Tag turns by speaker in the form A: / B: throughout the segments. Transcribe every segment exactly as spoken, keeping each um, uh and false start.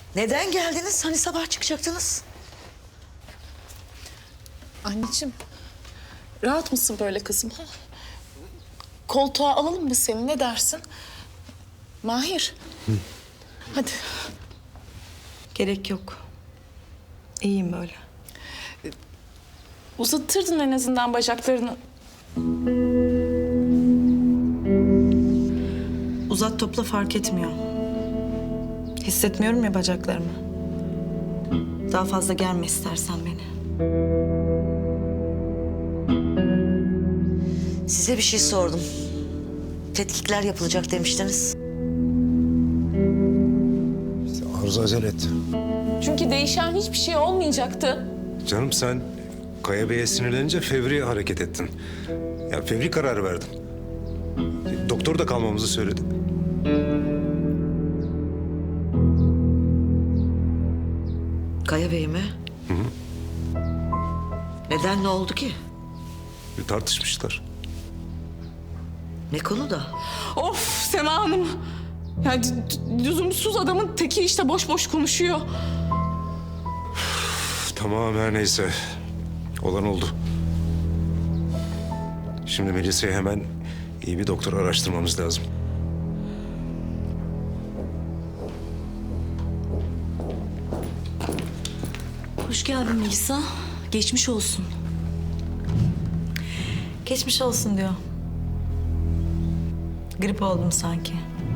A: Neden geldiniz? Hani sabah çıkacaktınız?
B: Anneciğim, rahat mısın böyle kızım? Ha? Koltuğa alalım mı seni, ne dersin? Mahir. Hı. Hadi.
C: Gerek yok. İyiyim böyle.
B: Uzatırdın en azından bacaklarını.
C: Uzat topla fark etmiyor. Hissetmiyorum ya bacaklarımı. Daha fazla gelme istersen beni.
A: Size bir şey sordum. Tetkikler yapılacak demiştiniz.
D: Arzu acele etti.
B: Çünkü değişen hiçbir şey olmayacaktı.
D: Canım sen Kaya Bey'e sinirlenince fevri hareket ettin. Ya fevri karar verdin. Doktor da kalmamızı söyledi.
A: Kaya Bey mi?
D: Hı hı.
A: Neden, ne oldu ki?
D: Bir tartışmışlar.
A: Ne konuda?
B: Of Sema Hanım. Ya d- d- lüzumsuz adamın teki işte boş boş konuşuyor.
D: Tamam her neyse. Olan oldu. Şimdi Melisa'yı hemen iyi bir doktor araştırmamız lazım.
C: Hoş geldin Melisa. Geçmiş olsun. Geçmiş olsun diyor. Grip oldum sanki.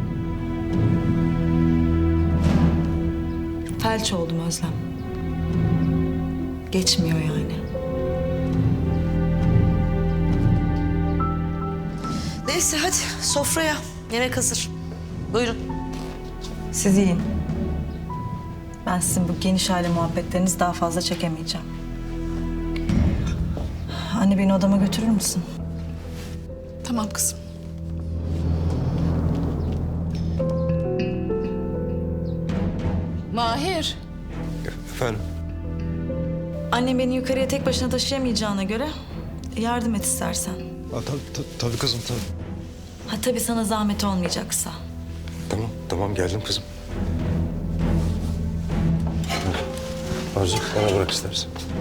C: Felç oldum Özlem. Geçmiyor yani.
A: Neyse hadi sofraya. Yemek hazır. Buyurun.
C: Siz yiyin. Ben sizin bu geniş aile muhabbetlerinizi daha fazla çekemeyeceğim. Anne beni odama götürür müsün?
B: Tamam kızım. Mahir.
D: Efendim?
C: Annem beni yukarıya tek başına taşıyamayacağına göre yardım et istersen.
D: Ha, tabii, tabii, tabii kızım tabii.
C: Ha tabii sana zahmet olmayacaksa.
D: Tamam tamam geldim kızım. Arzu bana bırak istersen.